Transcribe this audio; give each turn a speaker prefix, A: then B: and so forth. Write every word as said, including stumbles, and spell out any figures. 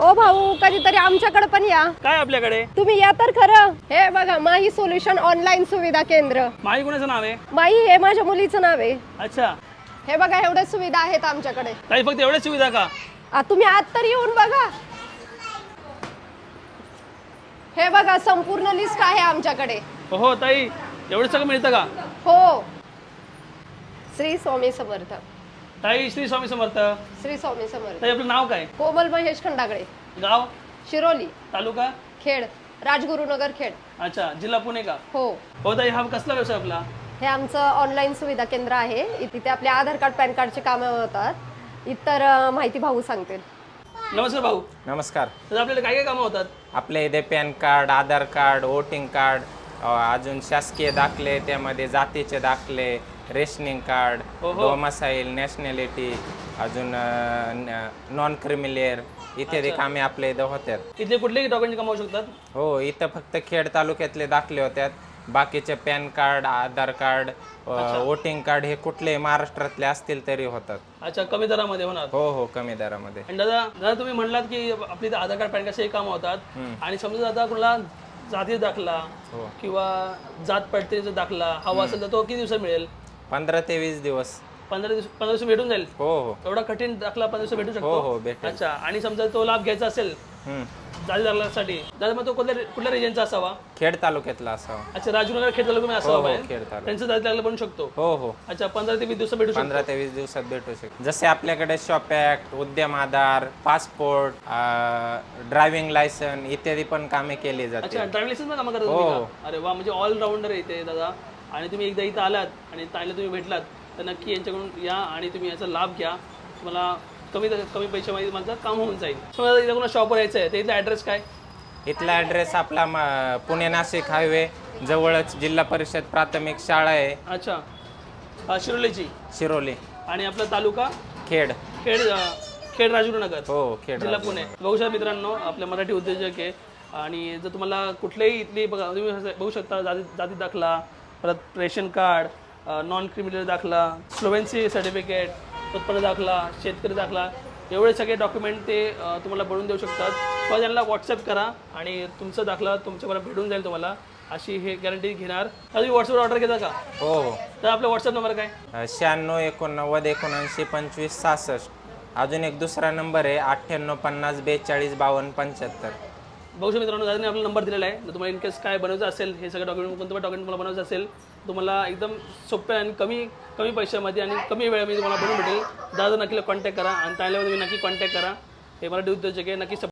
A: ओ भाऊ, कधीतरी आमच्याकडे पण या.
B: काय आपल्याकडे?
A: तुम्ही या तर खरं. हे बघा, माही सोल्युशन ऑनलाईन सुविधा केंद्र.
B: माही कोणाचं नाव आहे?
A: माही हे माझ्या मुलीचं नाव आहे.
B: अच्छा,
A: हे बघा, एवढ्या सुविधा आहेत आमच्याकडे.
B: ताई फक्त एवढ्याच सुविधा का?
A: आ, तुम्ही आत तर येऊन बघा. हे बघा, संपूर्ण लिस्ट आहे आमच्याकडे.
B: हो ताई, एवढं सगळं मिळतं का?
A: हो. श्री स्वामी समर्थ.
B: ताई श्री स्वामी समर्थ.
A: श्री स्वामी समर्थ.
B: ताई आपलं नाव काय?
A: कोमल महेश खंडागळे.
B: गाव?
A: शिरोली.
B: तालुका?
A: खेड. राजगुरुनगर खेड.
B: अच्छा, जिल्हा पुणे का?
A: हो.
B: हो ताई, हा कसला व्यवसाय आपला?
A: हे आमचं ऑनलाईन सुविधा केंद्र आहे. तिथे आपले आधार कार्ड पॅन कार्डचे कामं होतात. इतर अ, माहिती भाऊ सांगतील.
B: नमस्कार भाऊ.
C: नमस्कार.
B: तर आपल्याला काय काय कामं होतात?
C: आपल्या इथे pan card, Aadhaar card, voting card, अ, अजून शासकीय दाखले, त्यामध्ये जातीचे दाखले, रेशनिंग कार्ड,
B: हो हो.
C: डोमासाईल, नॅशनॅलिटी, अजून नॉन क्रिमिलियर इत्यादी
B: अच्छा.
C: कामे आपल्या इथं होतात.
B: इथले कुठलेही डॉक्युमेंट कमावू शकतात?
C: हो, इथं फक्त खेड तालुक्यातले दाखले होतात. बाकीचे pan card, Aadhaar card, voting card हे कुठलेही महाराष्ट्रातले असतील तरी होतात.
B: अच्छा, कमी दरामध्ये होणार.
C: हो हो, कमी दरामध्ये.
B: आणि दादा दादा तुम्ही म्हणलात की आपली इथे आधार कार्ड पॅन कार्डचे कामं होतात. आणि समजा आता कुणाला जाती दाखला
C: हो.
B: किंवा जात पडतेचा दाखला हवा असेल तर तो किती दिवसात मिळेल?
C: पंधरा ते वीस दिवस.
B: पंधरा दिवस पंधरा दिवस भेटून जाईल?
C: हो हो
B: एवढा कठीण दाखला पंधरा दिवस भेटू
C: हो
B: शकतो?
C: हो, भेटेल.
B: अच्छा, आणि समजा तो लाभ घ्यायचा असेल
C: हम्म.
B: जाती दाखल्यासाठी, दादा मग तो कुठल्या कुठल्या रिजनचा असावा?
C: खेड तालुक्यातला असावा.
B: अच्छा, राजूनगर खेड तालुक्यामध्ये
C: हो
B: असावा
C: हो,
B: पाहिजे.
C: खेड तालुका.
B: त्यांचं जाती दाखला बनू शकतो?
C: हो हो,
B: अच्छा, पंधरा ते वीस दिवसात भेटू शकतो?
C: पंधरा ते वीस दिवसात भेटू शकतो. जसे आपल्याकडे शॉप ऍक्ट, उद्यम आधार, पासपोर्ट, ड्रायव्हिंग लायसन इत्यादी पण कामे केली
B: अच्छा,
C: जाते.
B: ड्रायव्हिंग लायसन्स पण कामं करता
C: हो.
B: तुम्ही का? अरे वा, म्हणजे ऑलराऊंडर आहे इथे दादा. आणि तुम्ही एकदा इथं आलात आणि ताईला तुम्ही भेटलात तर नक्की यांच्याकडून या आणि तुम्ही याचा लाभ घ्या. तुम्हाला कमी कमी पैशामध्ये माझं काम होऊन जाईल. समजा इथं कोणा शॉपवर यायचं आहे तर इथला ॲड्रेस काय?
C: इथला ॲड्रेस आपला म- पुणे नाशिक हायवे जवळच जिल्हा परिषद प्राथमिक शाळा आहे,
B: अच्छा, अ, शिरोलीची.
C: शिरोली.
B: आणि आपला तालुका
C: खेड.
B: खेड अ, खेड राजगुरुनगर,
C: हो, खेड
B: जिल्हा पुणे. बघू शकता मित्रांनो, आपले मराठी उद्योजक आहे. आणि जर तुम्हाला कुठलेही इथली बघा तुम्ही असं बघू शकता जाती जाती दाखला, परत रेशन कार्ड, नॉन क्रिमिनल दाखला, फ्लुएन्सी सर्टिफिकेट, उत्पन्न दाखला, शेतकरी दाखला, एवढे सगळे डॉक्युमेंट ते अ, तुम्हाला बनवून देऊ शकतात. किंवा त्यांना व्हॉट्सअप करा आणि तुमचा दाखला तुमच्यापर्यंत भेटून जाईल तुम्हाला, अशी हे गॅरंटी घेणार. तर तुम्ही व्हॉट्सअपवर ऑर्डर घेता का?
C: हो हो.
B: तर आपला व्हॉट्सअप नंबर काय?
C: अ, शहाण्णव एकोणनव्वद एकोणऐंशी पंचवीस सहासष्ट. अजून एक दुसरा नंबर आहे अठ्ठ्याण्णव पन्नास बेचाळीस बावन्न पंच्याहत्तर.
B: बघू शकता मित्रांनो, दादाने आपला नंबर दिलेला आहे. जर तुम्हाला इनकेस काय बनवायचं असेल, हे सगळं डॉक्युमेंट कोणतं पण डॉक्युमेंट तुम्हाला बनवायचं असेल, तुम्हाला एकदम सोप्या आणि कमी कमी पैशामध्ये आणि कमी वेळामध्ये तुम्हाला बनवून भेटेल. दादा नक्की कॉन्टॅक्ट करा आणि त्याला तुम्ही नक्की कॉन्टॅक्ट करा. हे मराठी उद्योजक आहे, नक्की